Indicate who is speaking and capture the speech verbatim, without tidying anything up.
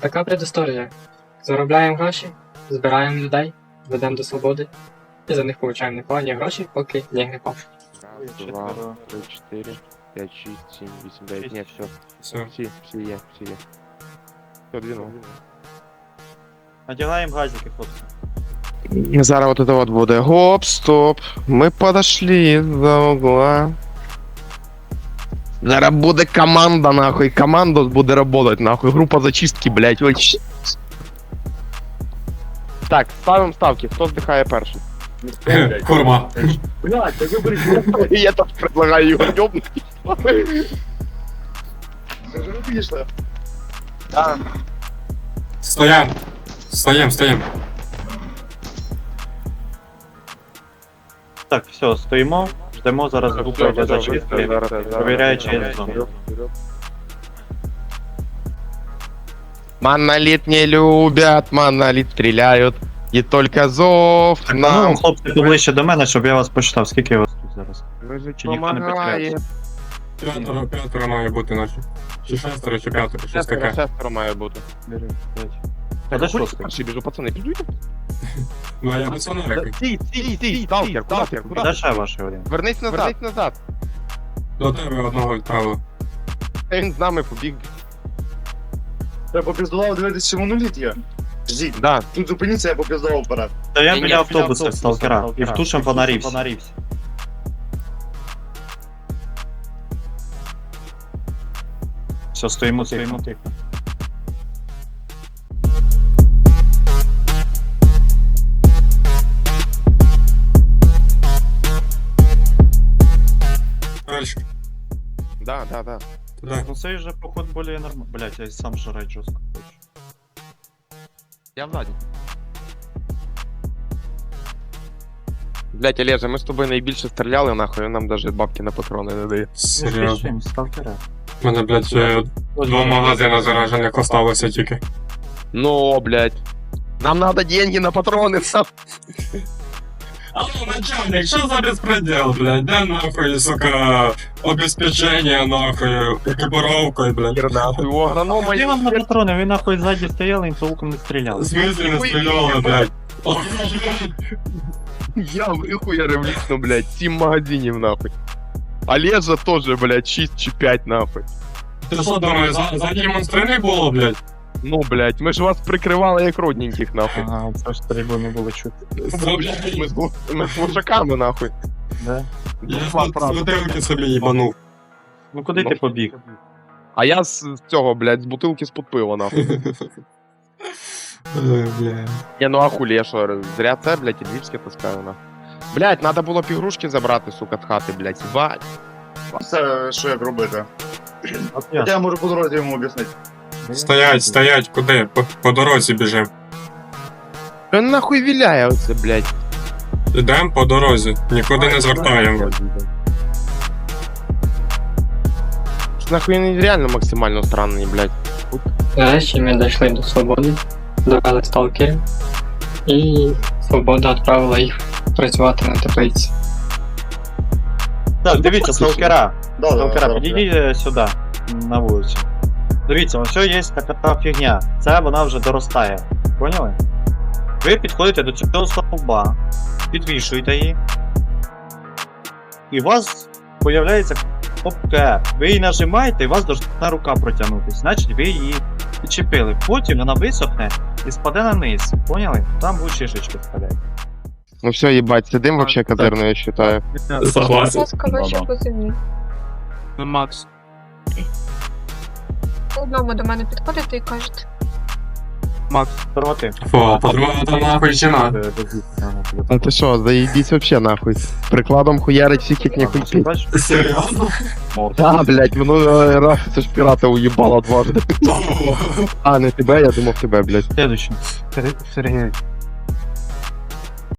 Speaker 1: Така предісторія. Заробляємо гроші, збираємо людей, ведемо до свободи і за них получаємо непогані гроші, поки ніг не пав.
Speaker 2: Раз, два, три, четыре, пять, шесть, семь, восемь, девять. Нет, все.
Speaker 3: Все.
Speaker 2: Все, все є, все є. Все, двинув.
Speaker 4: Надягаємо газики, хлопці.
Speaker 2: Зараз вот это вот буде. Гоп, стоп. Мы подошли за угла. Зараз буде команда, нахуй. Команда буде работать, нахуй. Группа зачистки, блядь. Ой. Так, ставим ставки. Хто здихає перший?
Speaker 3: Курма.
Speaker 4: Блядь, та виберіть.
Speaker 2: Я так предлагаю його ёбнуть. Да.
Speaker 3: Стоям. Стоям, стоям.
Speaker 4: Так, все, стоїмо, ждемо зараз групу для зачистки. Провіряю, чи є зона.
Speaker 2: Монолит не любят, монолит стреляют. И только зов
Speaker 4: Так,
Speaker 2: нам.
Speaker 4: ну, хлопці, поближче до мене, щоб я вас почитав. Скільки вас тут зараз? Чи ніхто не підкреслює?
Speaker 3: П'ятеро, п'ятеро має бути наче. Чи шестеро, чи п'ятеро, щось
Speaker 2: Шестеро,
Speaker 3: таке.
Speaker 2: шестеро має бути.
Speaker 4: А де шостий?
Speaker 2: Перший біжу, пацани, підуйте.
Speaker 3: Ну а я без фонарика.
Speaker 2: Стій, стій, стій, сталкер, сталкер, куди?
Speaker 4: Де ще ваші один?
Speaker 2: Вернись назад. Вернись назад.
Speaker 3: До тебе одного відправили.
Speaker 2: Він з нами побіг.
Speaker 5: Я попіздував дивитися моноліт є. Ждіть,
Speaker 2: Да.
Speaker 5: тут зупиніться, я попіздував вперед.
Speaker 4: Та я
Speaker 2: Ні,
Speaker 4: біля
Speaker 2: ні,
Speaker 4: автобуса
Speaker 2: біля
Speaker 4: сталкера.
Speaker 2: автобуса,
Speaker 4: І втушим фонарився. Все, стоїмо, стоїмо тихо.
Speaker 3: Дальше.
Speaker 2: Да, да, да.
Speaker 3: Туди.
Speaker 4: Ну цей же поход более нормально. Блять, я и сам жрать жестко хочу.
Speaker 2: Я ззаді. Блять, Олеже, ми з тобою найбільше стріляли, нахуй, нам даже бабки на патрони не дає.
Speaker 3: Серйозно.
Speaker 4: Сталкера.
Speaker 3: У мене, блядь, ще два магазини заражених осталося тільки.
Speaker 2: Ну, блять. Нам надо деньги на патроны, сам.
Speaker 3: Алло, начальник, що за безпредел, блядь? Де нахуй, сука, обеспечення, нахуй, екіпіровкою, блядь?
Speaker 2: Нахуй, у агронома
Speaker 4: Я вам на патроны, вы нахуй сзади стояли и толком не стрелял.
Speaker 3: В смысле не стріляли, блядь?
Speaker 2: Я вихуярив лично, блядь, сім магазинів, нахуй. Олежа тоже, блядь, шість чи п'ять, нахуй.
Speaker 3: Ти що думаєш, за- ззаді монстри не було, блядь?
Speaker 2: Ну, блядь, ми ж вас прикривали як родненьких, нахуй.
Speaker 4: Ага, це ж стрільбу не було чути.
Speaker 3: Це, блядь,
Speaker 2: Ми з, глу- ми з глушаками, нахуй.
Speaker 4: Да?
Speaker 3: я з бутилки собі їбанув.
Speaker 4: Ну куди ти побіг?
Speaker 2: А я з з цього, блядь, з бутилки з-под пива, нахуй.
Speaker 3: Ой, блядь.
Speaker 2: Я ну а хулі, я що, зря це, блядь, і львівське таскаю, нахуй. Блядь, надо було б ігрушки забрати, сука, з хати, блядь, їбать.
Speaker 5: Це що як робити?
Speaker 4: От
Speaker 5: Я можу по дорозі йому об'яснити.
Speaker 3: Стоять, стоять, куди? По, по дорозі біжим.
Speaker 2: Що нахуй віляє оце, блядь?
Speaker 3: Ідемо по дорозі, нікуди не звертаємо.
Speaker 2: Що нахуй вони реально максимально странні, блядь.
Speaker 1: Нарешті ми дійшли до свободи, довели сталкерів, і свобода відправила їх працювати на теплиці.
Speaker 4: Так, дивіться, сталкера.
Speaker 5: Да, да,
Speaker 4: Сталкера,
Speaker 5: да,
Speaker 4: підійдіть е, сюди, на вулицю. Дивіться, ось є така та фігня. Це вона вже доростає. Поняли? Ви підходите до цього стовба, підвішуєте її. І у вас появляється кнопка. Ви її нажимаєте, і у вас должна рука протягнутися. Значить, ви її підчепили. Потім вона висохне і спаде на низ. Поняли? Там будуть шишечки впадають.
Speaker 2: Ну все, їбать, сидим вообще козирно, я считаю.
Speaker 3: Согласен.
Speaker 6: Ласка, вище по землі.
Speaker 3: Макс.
Speaker 6: Одному до мене підходите і кажете.
Speaker 4: Проти.
Speaker 3: Фу, по-друге, то нахуй чи надо?
Speaker 2: А ти що, заїбісь вообще нахуй. Прикладом хуярить всіх як ніхуй пить.
Speaker 4: Бачиш?
Speaker 3: Серйозно?
Speaker 2: Да, блядь, минулий раз це ж пірата уїбало дважди. А, не тебе, я думав тебе, блядь.
Speaker 4: Следующий. Сергій.